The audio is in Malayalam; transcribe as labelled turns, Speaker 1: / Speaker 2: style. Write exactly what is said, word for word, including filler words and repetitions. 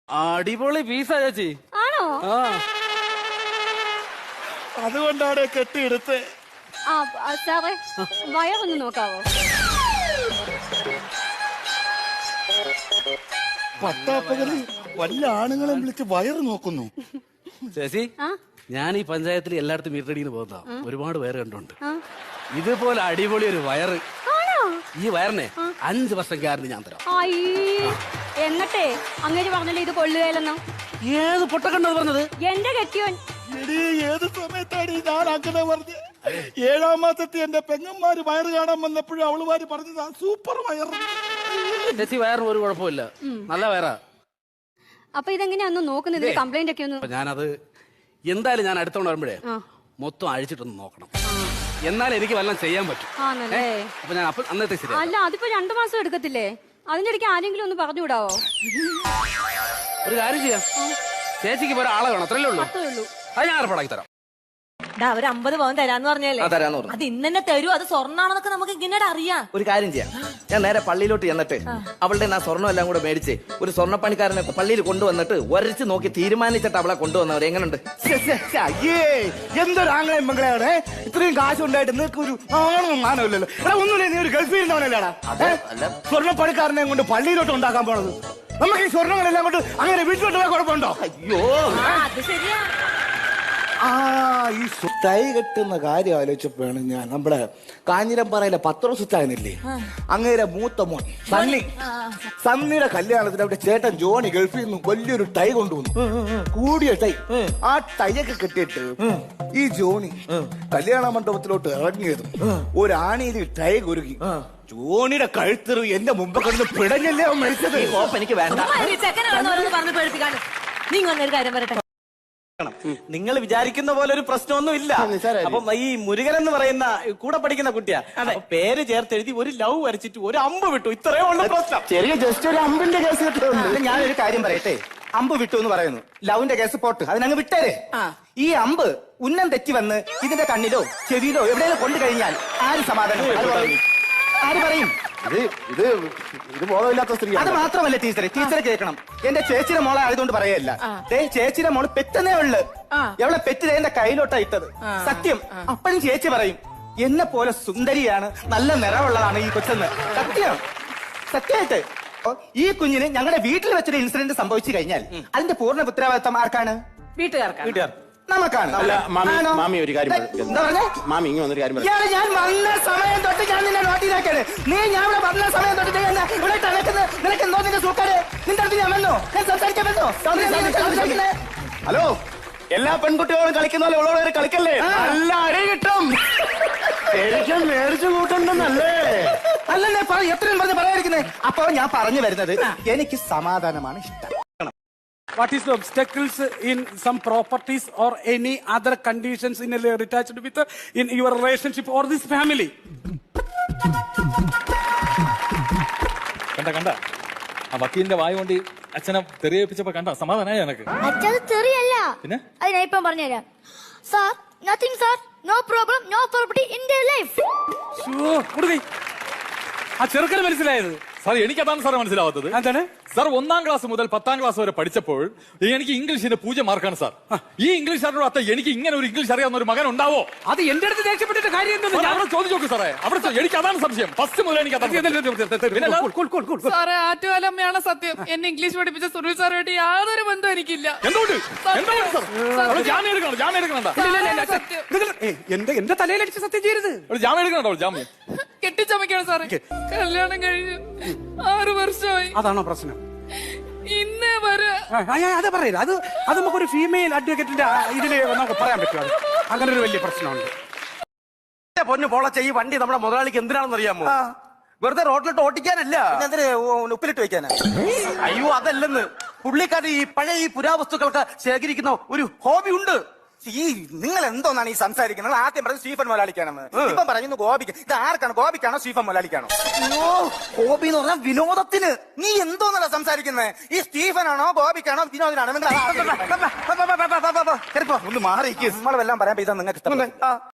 Speaker 1: അടിപൊളി പീസാ ചേച്ചി.
Speaker 2: ആണോ?
Speaker 1: ആ
Speaker 3: അതുകൊണ്ടാണ് കെട്ടിയെടുത്ത്.
Speaker 2: ആ ആ, സാറേ വയറൊന്ന് നോക്കാവോ?
Speaker 3: പട്ടാപ്പകല് വല്ല ആണുങ്ങളെ വിളിച്ച് വയറ് നോക്കുന്നു.
Speaker 1: ചേച്ചി,
Speaker 2: ആ
Speaker 1: ഞാൻ ഈ പഞ്ചായത്തിൽ എല്ലായിടത്തും മീറ്റടിയിൽ പോകുന്ന ഒരുപാട് പേര് കണ്ടുണ്ട്.
Speaker 2: ആ.
Speaker 1: ഇതുപോലെ അടിപൊളി ഒരു വയറ്,
Speaker 2: ആണോ?
Speaker 1: ഈ വയറിനെ അഞ്ച് വർഷം ഗ്യാരണ്ടി ഞാൻ തരാം.
Speaker 2: അയ്യേ, എന്നിട്ടേ അങ്ങേര് പറഞ്ഞല്ലേ ഇത് കൊള്ളുകയില്ലെന്നോ?
Speaker 1: ഏത് പൊട്ടക്കണ്ടത് പറഞ്ഞത്?
Speaker 2: എന്റെ കെട്ടിയോൻ.
Speaker 3: എടീ, ഏത് സമയത്താണ് ഈ ഞാൻ അങ്ങനെ പറഞ്ഞത്? ഏഴാം മാസത്തിൽ എന്റെ പെങ്ങന്മാര് വയറ് കാണാൻ വന്നപ്പോഴും അവളുമാര് പറഞ്ഞതാ സൂപ്പർ വയറ്.
Speaker 1: ചേച്ചി വയറിന് ഒരു കുഴപ്പമില്ല, നല്ല വയറാ.
Speaker 2: അപ്പൊ ഇതെങ്ങനെയാ ഒന്ന് നോക്കുന്നത്? കംപ്ലൈന്റ് ഒക്കെ ഒന്ന്.
Speaker 1: അപ്പൊ ഞാനത് എന്തായാലും ഞാൻ അടുത്തോണ്ട് വരുമ്പോഴേ
Speaker 2: ആ.
Speaker 1: മൊത്തം അഴിച്ചിട്ടൊന്ന് നോക്കണം, എന്നാലും എനിക്ക് വല്ലതും ചെയ്യാൻ പറ്റും.
Speaker 2: ആണല്ലേ?
Speaker 1: അപ്പൊ ഞാൻ അപ്പൊ അന്നത്തെ ശരി.
Speaker 2: അല്ല, അതിപ്പോ രണ്ടു മാസം എടുക്കത്തില്ലേ? അതിന്റെ ഇടയ്ക്ക് ആരെങ്കിലും ഒന്ന് പറഞ്ഞുവിടാവോ?
Speaker 1: ഒരു കാര്യം ചെയ്യാം, ചേച്ചിക്ക് ഇപ്പൊ ഒരാളെ വേണം, അത്രയല്ലേ ഉള്ളൂ.
Speaker 2: അത്രേ ഉള്ളൂ.
Speaker 1: അത് ഞാൻ ഏർപ്പാടാക്കി തരാം.
Speaker 4: ഒരു അമ്പത് പവൻ തരാന്ന് പറഞ്ഞല്ലേ? അത് ഇന്ന് തന്നെ തരൂ. അത് സ്വർണ്ണാണെന്നൊക്കെ നമുക്ക് ഇങ്ങനെ അറിയാം.
Speaker 5: ഒരു കാര്യം ചെയ്യാം, ഞാൻ നേരെ പള്ളിയിലോട്ട് ചെന്നിട്ട് അവളുടെ ആ സ്വർണ്ണം എല്ലാം കൂടെ മേടിച്ച് ഒരു സ്വർണ്ണപ്പണിക്കാരനെ പള്ളിയിൽ കൊണ്ടുവന്നിട്ട് ഒരച്ച് നോക്കി തീരുമാനിച്ചിട്ട് അവളെ കൊണ്ടുവന്നവർ എങ്ങനെയുണ്ട്?
Speaker 3: അയ്യേ, എന്തൊരു ആംഗ്ലം മംഗളയാണ്. ഇത്രയും കാശ് ഉണ്ടായിട്ട് നിനക്ക് ഒരു ആണും മാനമില്ലല്ലോ. എടാ, ഒന്നുമില്ല, നീ ഒരു ഗൾഫിൽ ഇരുന്നവനല്ലേടാ സ്വർണ്ണപ്പണിക്കാരനെ കൊണ്ട് പള്ളിയിലോട്ട് ഉണ്ടാക്കാൻ പോണത്. നമുക്ക് ഈ സ്വർണ്ണങ്ങളെല്ലാം കൊണ്ട് അങ്ങനെ വീട്ടിലോട്ട് പോയാൽ കുഴപ്പമുണ്ടോ?
Speaker 5: അയ്യോ,
Speaker 4: അത് ശരിയാ.
Speaker 3: ആ, ഈ തൈ കെട്ടുന്ന കാര്യം ആലോചിച്ചപ്പോഴാണ് ഞാൻ നമ്മുടെ കാഞ്ഞിരംപാറയിലെ പത്രോസുത്തായിരുന്നില്ലേ, അങ്ങേരെ മൂത്ത മോൻ സണ്ണി, സണ്ണിയുടെ കല്യാണത്തിന് അവിടെ ചേട്ടൻ ജോണി ഗൾഫിൽ നിന്ന് വലിയൊരു ടൈ കൊണ്ടുവന്നു, കൂടിയ ടൈ. ആ ടൈയൊക്കെ കെട്ടിയിട്ട് ഈ ജോണി കല്യാണ മണ്ഡപത്തിലോട്ട് ഇറങ്ങിയതും ഒരാണിയിൽ ടൈ കുരുക്കി ജോണിയുടെ കഴുത്തെറു എന്റെ മുമ്പ് കിടന്ന് പിടഞ്ഞല്ലേ അവൻ മരിച്ചത്.
Speaker 5: കോപ്പ് എനിക്ക് വേണ്ട.
Speaker 4: ചെക്കനാണെന്ന് പറഞ്ഞ് പേടിപ്പിക്കാണ്. നീ വന്നൊരു കാര്യം പറയട്ടെ.
Speaker 5: നിങ്ങൾ വിചാരിക്കുന്ന പോലെ ഒരു പ്രശ്നമൊന്നും ഇല്ല. അപ്പം ഈ മുരുകൻ എന്ന് പറയുന്ന കൂടെ പഠിക്കുന്ന കുട്ടിയാ, അപ്പൊ പേര് ചേർത്ത് എഴുതി ഒരു ലവ് വരച്ചിട്ട് ഒരു അമ്പ് വിട്ടു. ഇത്രയേ ഉള്ളൂ പ്രശ്നം.
Speaker 3: ചെറിയ ജസ്റ്റ് ഒരു അമ്പിന്റെ കേസ് കിട്ടുന്നുണ്ട്.
Speaker 5: ഞാനൊരു കാര്യം പറയട്ടെ, അമ്പ് വിട്ടു എന്ന് പറയുന്നു, ലവിന്റെ കേസ് പോട്ട്, അതിനങ്ങ് വിട്ടേരെ. ഈ അമ്പ് ഉന്നം തെറ്റി വന്ന് ഇതിന്റെ കണ്ണിലോ ചെവിയിലോ എവിടെയെങ്കിലും കൊണ്ടു കഴിഞ്ഞാൽ ആര് സമാധാനം? ആര് പറയും?
Speaker 3: ഇത് ഇത് ഇത് ബോധമില്ലാത്ത സ്ത്രീ.
Speaker 5: അത് മാത്രമല്ല ടീച്ചറെ, ടീച്ചറെ കേൾക്കണം. എന്റെ ചേച്ചിയുടെ മോളെ ആയതുകൊണ്ട് പറയല്ല, ചേച്ചിയുടെ മോള് പെറ്റനേ ഉള്ളു. എവളെ പെറ്റ് എന്റെ കയ്യിലോട്ടാ ഇട്ടത്, സത്യം. അപ്പോഴും ചേച്ചി പറയും എന്നെ പോലെ സുന്ദരിയാണ്, നല്ല നിറവുള്ളതാണ് ഈ കൊച്ചെന്ന്. സത്യം, സത്യമായിട്ട്. ഈ കുഞ്ഞിന് ഞങ്ങളുടെ വീട്ടിൽ വെച്ചൊരു ഇൻസിഡന്റ് സംഭവിച്ചു കഴിഞ്ഞാൽ അതിന്റെ പൂർണ്ണ ഉത്തരവാദിത്വം ആർക്കാണ്?
Speaker 4: വീട്ടുകാർക്കാണ്.
Speaker 5: വീട്ടുകാർ, നമുക്കാണ്.
Speaker 6: മാമി ഒരു കാര്യം
Speaker 5: എന്താ പറഞ്ഞേ?
Speaker 6: മാമി ഇങ്ങനെ വന്നൊരു കാര്യം
Speaker 5: ഇയാള് ഞാൻ വന്ന സമയം തൊട്ട് ഞാൻ നിന്നെ നോട്ടിലാക്കാണ്. നീ ഞാൻ ഇവിടെ വന്ന സമയം തൊട്ട് നീ എന്നെ ഇവിടെ തണക്കുന്നത്. നിനക്ക് എന്തോ നിന്റെ സൂക്കാട് നിന്റെ അടുത്ത് ഞാൻ വന്നോ? ഞാൻ സംസാരിക്കാൻ വന്നോ?
Speaker 6: ഹലോ, എല്ലാ പെൺകുട്ടികളും കളിക്കുന്ന പോലെ ഉള്ളവരെ കളിക്കല്ലേ, നല്ല അടി കിട്ടും.
Speaker 3: ശരിക്കും മേടിച്ചു കൂട്ടണ്ടെന്നല്ലേ?
Speaker 5: അല്ലല്ലേ, എത്രയും പറഞ്ഞ് പറയാതിരിക്കുന്നേ. അപ്പൊ ഞാൻ പറഞ്ഞു വരുന്നത്, എനിക്ക് സമാധാനമാണ് ഇഷ്ടം.
Speaker 7: What is the obstacles in some properties or any other conditions in a attached with uh, in your relationship or this family?
Speaker 8: കണ്ട കണ്ട ആ വക്കീലിന്റെ വായ കൊണ്ട് അച്ഛനെ തെറിയേപ്പിച്ചപ്പോ കണ്ട സമാധാനായ എനക്ക്.
Speaker 9: അച്ഛത് തെറിയല്ല,
Speaker 8: പിന്നെ
Speaker 9: അത് ഞാൻ ഇപ്പം പറഞ്ഞുതരാം. Sir, nothing sir, no problem, no property in the life.
Speaker 7: കൊടുക്കൈ ആ ചെറുക്കന് മനസ്സിലായത്.
Speaker 8: സാർ, എനിക്കതാണ് സാർ മനസ്സിലാവാത്തത്.
Speaker 7: എന്താണ്
Speaker 8: സാർ, ഒന്നാം ക്ലാസ് മുതൽ പത്താം ക്ലാസ് വരെ പഠിച്ചപ്പോൾ എനിക്ക് ഇംഗ്ലീഷിന്റെ പൂജ്യം മാർക്കാണ് സാർ. ഈ ഇംഗ്ലീഷ് അറിയാത്ത എനിക്ക് ഇങ്ങനെ ഒരു ഇംഗ്ലീഷ് അറിയാവുന്ന ഒരു മകൻ ഉണ്ടാവോ?
Speaker 7: അത് എന്റെ അടുത്ത് ദേഷ്യപ്പെട്ടിട്ട് കാര്യം എന്തെന്ന്
Speaker 8: അവിടെ ചോദിച്ചു നോക്ക് സാറേ. അവിടെ എനിക്ക് അതാണ് സംശയം. ഫസ്റ്റ് മുതൽ എനിക്ക്
Speaker 10: സാറേ, ആറ്റുകാലമ്മയാണ് സത്യം. എന്നെ ഇംഗ്ലീഷ് പഠിപ്പിച്ച സുനിൽ സാറുമായിട്ട് യാതൊരു ബന്ധം എനിക്കില്ല.
Speaker 8: എന്തുകൊണ്ട് എന്തുകൊണ്ട് ജാമ്യം എടുക്കണം? ജാമ്യം എടുക്കണ്ട.
Speaker 7: എന്റെ എന്റെ തലയിലടിച്ച് സത്യം ചെയ്യരുത്.
Speaker 8: ജാമ്യം എടുക്കണോ? ജാമ്യം
Speaker 10: കെട്ടിച്ചമയ്ക്കാണ് സാറേ. കല്യാണം കഴിഞ്ഞു ആറു വർഷമായി.
Speaker 7: അതാണോ പ്രശ്നം?
Speaker 10: ഇന്നേ വരെ
Speaker 7: അത് പറയില്ല. അത് അത് നമുക്കൊരു ഫീമെയിൽ അഡ്വക്കേറ്റിന്റെ ഇതില് നമുക്ക് പറയാൻ പറ്റും. അത് അങ്ങനെ ഒരു വലിയ പ്രശ്നമുണ്ട്.
Speaker 5: പൊന്നു പോളച്ച, ഈ വണ്ടി നമ്മുടെ മുതലാളിക്ക് എന്തിനാണെന്ന് അറിയാമോ? വെറുതെ റോഡിലിട്ട് ഓട്ടിക്കാനല്ല, ഉപ്പിലിട്ട് വെക്കാനാ. അയ്യോ, അതല്ലെന്ന്. പുള്ളിക്കാരൻ ഈ പഴയ ഈ പുരാവസ്തുക്കൾക്ക് ശേഖരിക്കുന്ന ഒരു ഹോബി ഉണ്ട്. ഈ നിങ്ങൾ എന്തോന്നാണ് ഈ സംസാരിക്കുന്നത്? ആദ്യം പറഞ്ഞത് സ്റ്റീഫൻ മുതലാളിക്കാണെന്ന്, ഇപ്പം പറയുന്നു ഗോപിക്ക്. ഇത് ആർക്കാണ്? ഗോപിക്കാണോ സ്റ്റീഫൻ മുതലാളിക്കാണോ? അയ്യോ, ഹോബി എന്ന് പറഞ്ഞാൽ വിനോദത്തിന്. നീ എന്തോന്നല്ല സംസാരിക്കുന്നത്? ഈ സ്റ്റീഫനാണോ ഗോപിക്കാണോ വിനോദനാണോ? നിങ്ങൾ ഒന്ന് മാറിയിരിക്കും. നമ്മളെല്ലാം പറയാൻ ഇതാ നിങ്ങൾക്ക് ഇഷ്ടം.